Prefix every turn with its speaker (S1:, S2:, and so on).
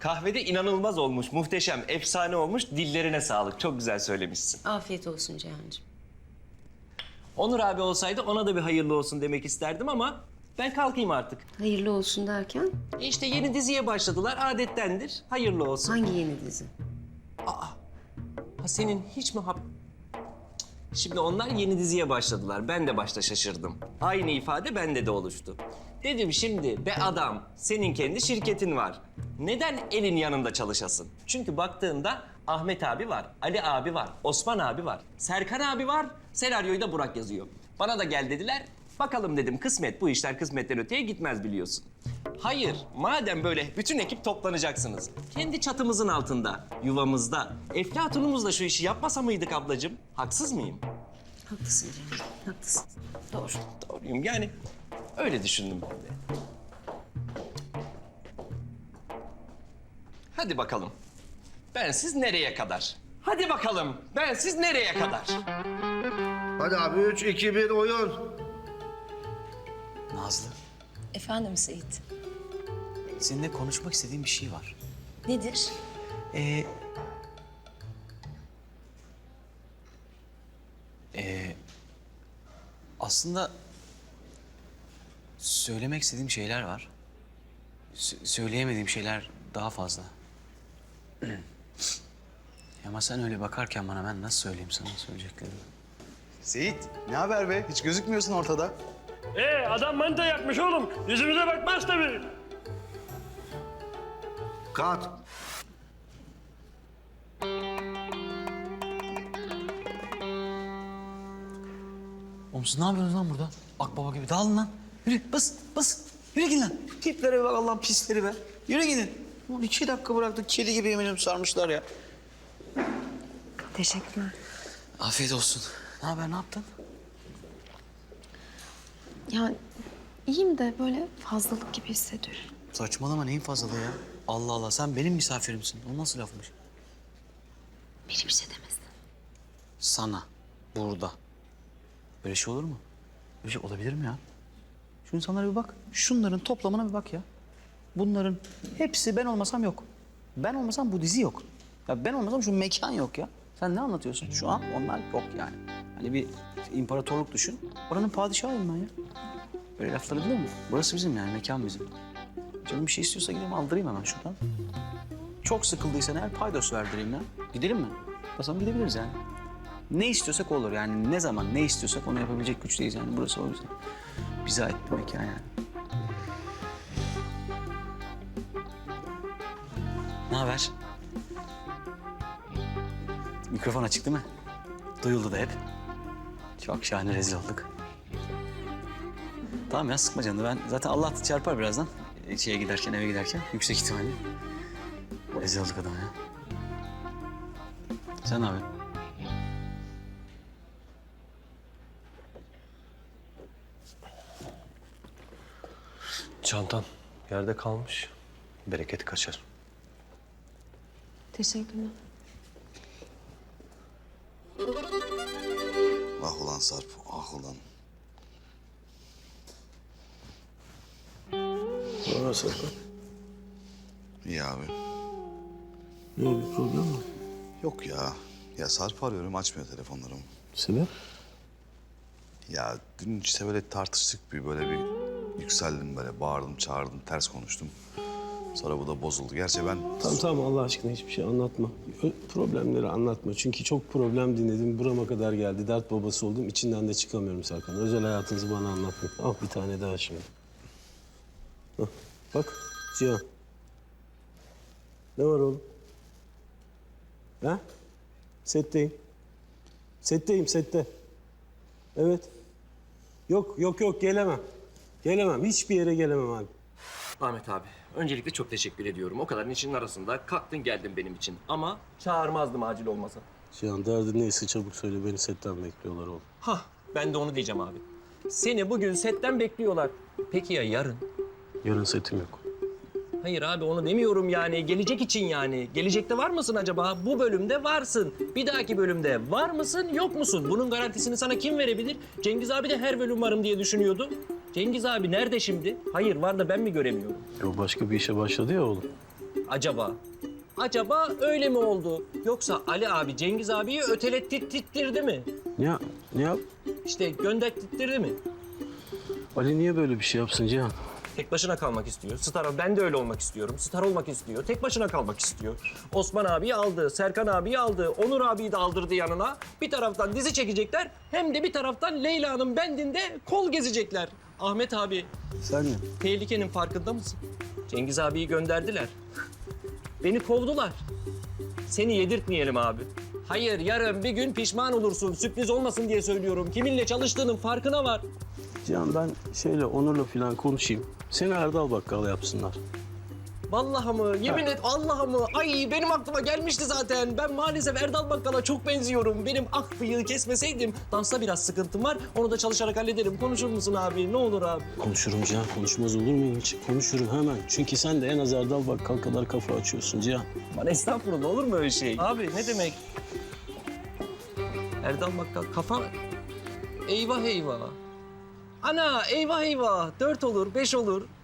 S1: Kahvede inanılmaz olmuş, muhteşem, efsane olmuş. Dillerine sağlık. Çok güzel söylemişsin.
S2: Afiyet olsun Cihan'cığım.
S1: Onur abi olsaydı ona da bir hayırlı olsun demek isterdim ama ben kalkayım artık.
S2: Hayırlı olsun derken
S1: İşte yeni diziye başladılar, adettendir. Hayırlı olsun.
S2: hangi yeni dizi?
S1: Ha, senin hiç mi Şimdi onlar yeni diziye başladılar. Ben de başta şaşırdım. Aynı ifade bende de oluştu. Dedim şimdi be adam, senin kendi şirketin var. Neden elin yanında çalışasın? Çünkü baktığında Ahmet abi var, Ali abi var, Osman abi var, Serkan abi var. Senaryoyu da Burak yazıyor. Bana da gel dediler. Bakalım dedim, kısmet, bu işler kısmetten öteye gitmez biliyorsun. Hayır, madem böyle bütün ekip toplanacaksınız. Kendi çatımızın altında, yuvamızda, Eflatun'umuzla şu işi yapmasa mıydık ablacığım? Haksız mıyım?
S2: Haklısın Cihan, haklısın. Doğru.
S1: Doğruyum yani. Öyle düşündüm ben de. Hadi bakalım. Bensiz nereye kadar? Hadi bakalım. Bensiz nereye kadar?
S3: Hadi abi 3, 2, 1 oyun.
S4: Nazlı,
S5: Efendim Seyit.
S4: seninle konuşmak istediğim bir şey var.
S5: Nedir?
S4: Ee, aslında söylemek istediğim şeyler var. Söyleyemediğim şeyler daha fazla. Ama sen öyle bakarken bana ben nasıl söyleyeyim sana söyleyeceklerimi?
S6: Seyit, ne haber be? Hiç gözükmüyorsun ortada.
S7: Adam manita yapmış oğlum. Yüzümüze bakmaz tabii.
S3: Kat.
S4: Oğlum siz ne yapıyorsunuz lan burada? Akbaba gibi dağılın lan. Yürü bas bas. Yürü gidin lan. Tiplere bir bak Allah'ın pisleri be. Yürü gidin. Ulan 2 dakika bıraktık kedi gibi yemin sarmışlar ya.
S5: Teşekkürler.
S4: Afiyet olsun. Ne haber ne yaptın?
S5: Ya iyiyim de böyle fazlalık gibi hissediyorum.
S4: Saçmalama neyin fazlalığı ya? Allah Allah sen benim misafirimsin. O nasıl lafmış?
S5: Biri bir şey demesin.
S4: Sana. Burada. Böyle şey olur mu? Böyle şey olabilir mi ya? Şu insanlara bir bak. Şunların toplamına bir bak ya. Bunların hepsi ben olmasam yok. Ben olmasam bu dizi yok. Ya ben olmasam şu mekan yok ya. Sen ne anlatıyorsun? Şu an onlar yok yani. Hani bir imparatorluk düşün. Oranın padişahıyım ben ya. Böyle lafları biliyor musun? Burası bizim yani, mekan bizim. Canım bir şey istiyorsa gideyim aldırayım hemen şuradan. Çok sıkıldıysan eğer paydos verdireyim ya. Gidelim mi? Basalım gidebiliriz yani. Ne istiyorsak olur yani, ne zaman ne istiyorsak onu yapabilecek güçteyiz yani. Burası o yüzden. Bize ait bir mekan yani. Ne haber? Mikrofon açık değil mi? Duyuldu da hep. Çok şahane rezil olduk. Tamam ya sıkma canını. Ben zaten Allah çarpar birazdan. Şeye giderken, eve giderken yüksek ihtimalle. Rezil olduk adam ya. Sen ne yapıyorsun?
S7: Çantan yerde kalmış. Bereket kaçar.
S5: Teşekkürler.
S6: Ah ulan Sarp, ah ulan.
S7: Nasıl?
S6: İyi abi.
S7: Ne bir problem mi?
S6: Yok ya. Ya Sarp arıyorum, açmıyor telefonlarımı.
S7: Sebep?
S6: Ya dün işte böyle tartıştık böyle bir yükseldim böyle, bağırdım, çağırdım, ters konuştum. Sonra bu da bozuldu. Gerçi ben...
S8: Tamam Allah aşkına hiçbir şey anlatma. Problemleri anlatma. Çünkü çok problem dinledim. Burama kadar geldi. Dert babası oldum. İçinden de çıkamıyorum Serkan. Özel hayatınızı bana anlatmayın. Al bir tane daha şimdi. Hah, bak Cihan. Ne var oğlum? Ha? Setteyim. Setteyim, sette. Evet. Yok gelemem. Gelemem. Hiçbir yere gelemem abi.
S1: Ahmet abi, öncelikle çok teşekkür ediyorum. O kadarın içinin arasında kalktın geldin benim için. Ama çağırmazdım acil olmasa.
S8: Cihan derdin neyse çabuk söyle. Beni setten bekliyorlar oğlum.
S1: Hah, ben de onu diyeceğim abi. Seni bugün setten bekliyorlar. Peki ya yarın?
S8: Yarın setim yok.
S1: Hayır abi onu demiyorum yani. Gelecek için yani. Gelecekte var mısın acaba? Bu bölümde varsın. Bir dahaki bölümde var mısın, yok musun? Bunun garantisini sana kim verebilir? Cengiz abi de her bölüm varım diye düşünüyordu. Cengiz abi nerede şimdi? Hayır var da ben mi göremiyorum?
S8: O başka bir işe başladı ya oğlum.
S1: Acaba öyle mi oldu? Yoksa Ali abi Cengiz abiyi ötelettirdi mi?
S8: Ne yap?
S1: İşte gönderttirdi mi?
S8: Ali niye böyle bir şey yapsın Cihan?
S1: Tek başına kalmak istiyor. Ben de öyle olmak istiyorum. Star olmak istiyor. Tek başına kalmak istiyor. Osman abiyi aldı, Serkan abiyi aldı, Onur abiyi de aldırdı yanına. Bir taraftan dizi çekecekler, hem de bir taraftan Leyla'nın bendinde kol gezecekler. Ahmet abi,
S8: Sen ne?
S1: tehlikenin farkında mısın? Cengiz abiyi gönderdiler. Beni kovdular. Seni yedirtmeyelim abi. Hayır, yarın bir gün pişman olursun. Sürpriz olmasın diye söylüyorum. Kiminle çalıştığının farkına var.
S8: Cihan ben Onur'la falan konuşayım. Seni Erdal Bakkal yapsınlar.
S1: Vallahi mı? Yemin et Allah'a mı? Ay benim aklıma gelmişti zaten. Ben maalesef Erdal Bakkal'a çok benziyorum. Benim bıyığı kesmeseydim dansta biraz sıkıntım var. Onu da çalışarak hallederim. Konuşur musun abi? Ne olur abi?
S8: Konuşurum Cihan. Konuşmaz olur muyum hiç? Konuşurum hemen. Çünkü sen de en az Erdal Bakkal kadar kafa açıyorsun Cihan.
S1: Bana estağfurullah olur mu öyle şey? Abi ne demek? Erdal Bakkal kafa... Eyvah eyvah. Ana eyvah eyvah. 4 olur, 5 olur.